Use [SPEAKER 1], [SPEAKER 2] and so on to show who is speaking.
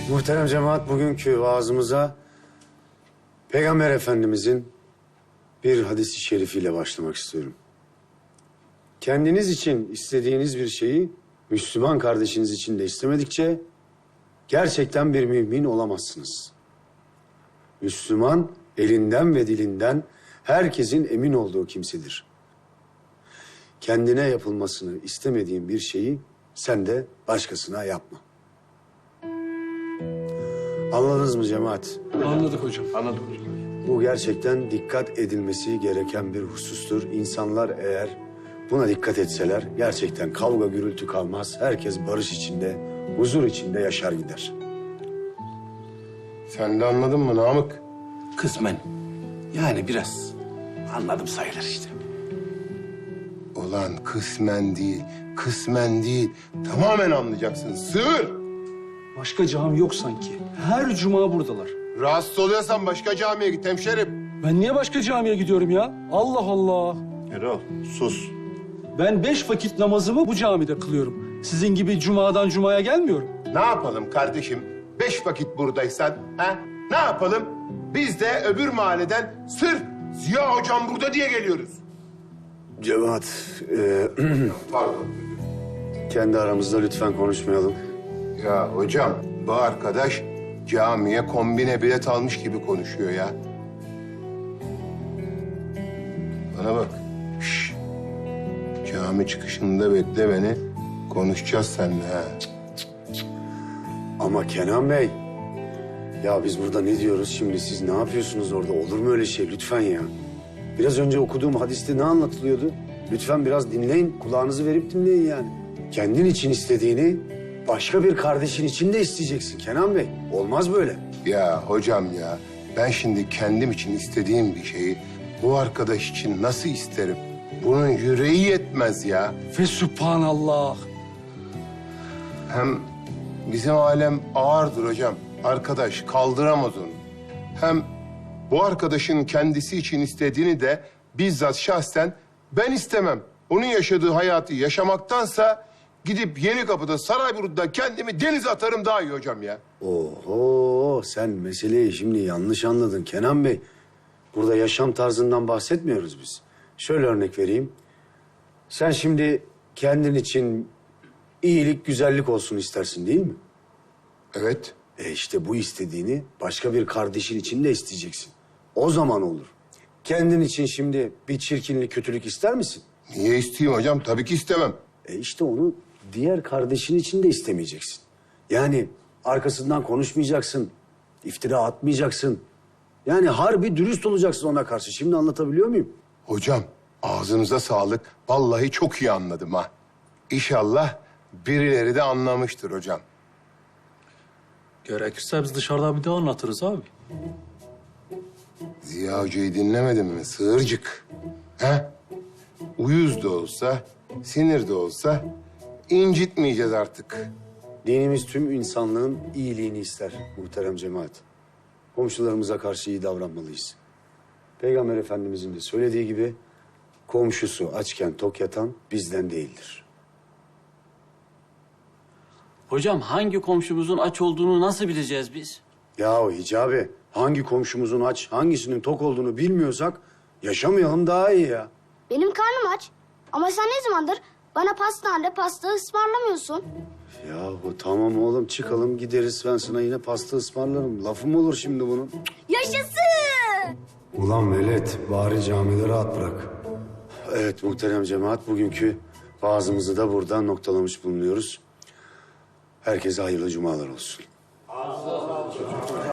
[SPEAKER 1] Muhterem cemaat, bugünkü vaazımıza Peygamber Efendimizin bir hadis-i şerifiyle başlamak istiyorum. Kendiniz için istediğiniz bir şeyi Müslüman kardeşiniz için de istemedikçe gerçekten bir mümin olamazsınız. Müslüman elinden ve dilinden herkesin emin olduğu kimsedir. Kendine yapılmasını istemediğin bir şeyi sen de başkasına yapma. Anladınız mı cemaat?
[SPEAKER 2] Anladık hocam.
[SPEAKER 3] Anladım hocam.
[SPEAKER 1] Bu gerçekten dikkat edilmesi gereken bir husustur. İnsanlar eğer buna dikkat etseler gerçekten kavga gürültü kalmaz. Herkes barış içinde, huzur içinde yaşar gider.
[SPEAKER 3] Sen de anladın mı Namık?
[SPEAKER 4] Kısmen. Yani biraz anladım sayılır işte.
[SPEAKER 3] Ulan kısmen değil. Tamamen anlayacaksın. Sığır!
[SPEAKER 2] Başka cami yok sanki. Her cuma buradalar.
[SPEAKER 3] Rahatsız oluyorsan başka camiye git hemşerim.
[SPEAKER 2] Ben niye başka camiye gidiyorum ya? Allah Allah.
[SPEAKER 3] Erol sus.
[SPEAKER 2] Ben 5 vakit namazımı bu camide kılıyorum. Sizin gibi cumadan cumaya gelmiyorum.
[SPEAKER 3] Ne yapalım kardeşim? 5 vakit buradaysan, ha? Ne yapalım? Biz de öbür mahalleden sırf Ziya hocam burada diye geliyoruz.
[SPEAKER 1] Cemaat,
[SPEAKER 3] Pardon.
[SPEAKER 1] kendi aramızda lütfen konuşmayalım.
[SPEAKER 3] Ya hocam bu arkadaş camiye kombine bilet almış gibi konuşuyor ya. Bana bak. Şş. Cami çıkışında bekle beni. Konuşacağız seninle ha.
[SPEAKER 1] Ama Kenan Bey, ya biz burada ne diyoruz şimdi? Siz ne yapıyorsunuz orada? Olur mu öyle şey? Lütfen ya. Biraz önce okuduğum hadiste ne anlatılıyordu? Lütfen biraz dinleyin, kulağınızı verip dinleyin yani. Kendin için istediğini başka bir kardeşin için de isteyeceksin Kenan Bey. Olmaz böyle.
[SPEAKER 3] Ya hocam ya ben şimdi kendim için istediğim bir şeyi bu arkadaş için nasıl isterim? Bunun yüreği yetmez ya.
[SPEAKER 2] Ve subhanallah.
[SPEAKER 3] Hem bizim alem ağırdır hocam. Arkadaş kaldıramaz onu. Hem bu arkadaşın kendisi için istediğini de bizzat şahsen ben istemem. Onun yaşadığı hayatı yaşamaktansa gidip Yenikapı'da Sarayburnu'da kendimi denize atarım daha iyi hocam ya.
[SPEAKER 1] Oho, sen meseleyi şimdi yanlış anladın Kenan Bey. Burada yaşam tarzından bahsetmiyoruz biz. Şöyle örnek vereyim. Sen şimdi kendin için iyilik, güzellik olsun istersin değil mi?
[SPEAKER 3] Evet.
[SPEAKER 1] İşte bu istediğini başka bir kardeşin için de isteyeceksin. O zaman olur. Kendin için şimdi bir çirkinlik, kötülük ister misin?
[SPEAKER 3] Niye isteyeyim hocam? Tabii ki istemem.
[SPEAKER 1] İşte onu diğer kardeşin için de istemeyeceksin. Yani arkasından konuşmayacaksın, iftira atmayacaksın. Yani harbi dürüst olacaksın ona karşı. Şimdi anlatabiliyor muyum?
[SPEAKER 3] Hocam ağzınıza sağlık. Vallahi çok iyi anladım ha. İnşallah birileri de anlamıştır hocam.
[SPEAKER 5] Gerekirse biz dışarıda bir daha anlatırız abi.
[SPEAKER 3] Ziya Hoca'yı dinlemedin mi? Sığırcık. He? Uyuz da olsa, sinir de olsa incitmeyeceğiz artık.
[SPEAKER 1] Dinimiz tüm insanlığın iyiliğini ister muhterem cemaat. Komşularımıza karşı iyi davranmalıyız. Peygamber Efendimizin de söylediği gibi komşusu açken tok yatan bizden değildir.
[SPEAKER 6] Hocam hangi komşumuzun aç olduğunu nasıl bileceğiz biz?
[SPEAKER 1] Yahu Hicabi, hangi komşumuzun aç, hangisinin tok olduğunu bilmiyorsak yaşamayalım daha iyi ya.
[SPEAKER 7] Benim karnım aç. Ama sen ne zamandır bana pastanede pasta ısmarlamıyorsun?
[SPEAKER 1] Yahu tamam oğlum çıkalım gideriz ben sana yine pasta ısmarlarım. Lafım olur şimdi bunun.
[SPEAKER 7] Yaşasın!
[SPEAKER 1] Ulan velet bari camide rahat bırak. Evet muhterem cemaat bugünkü vaazımızı da buradan noktalamış bulunuyoruz. Herkese hayırlı cumalar olsun.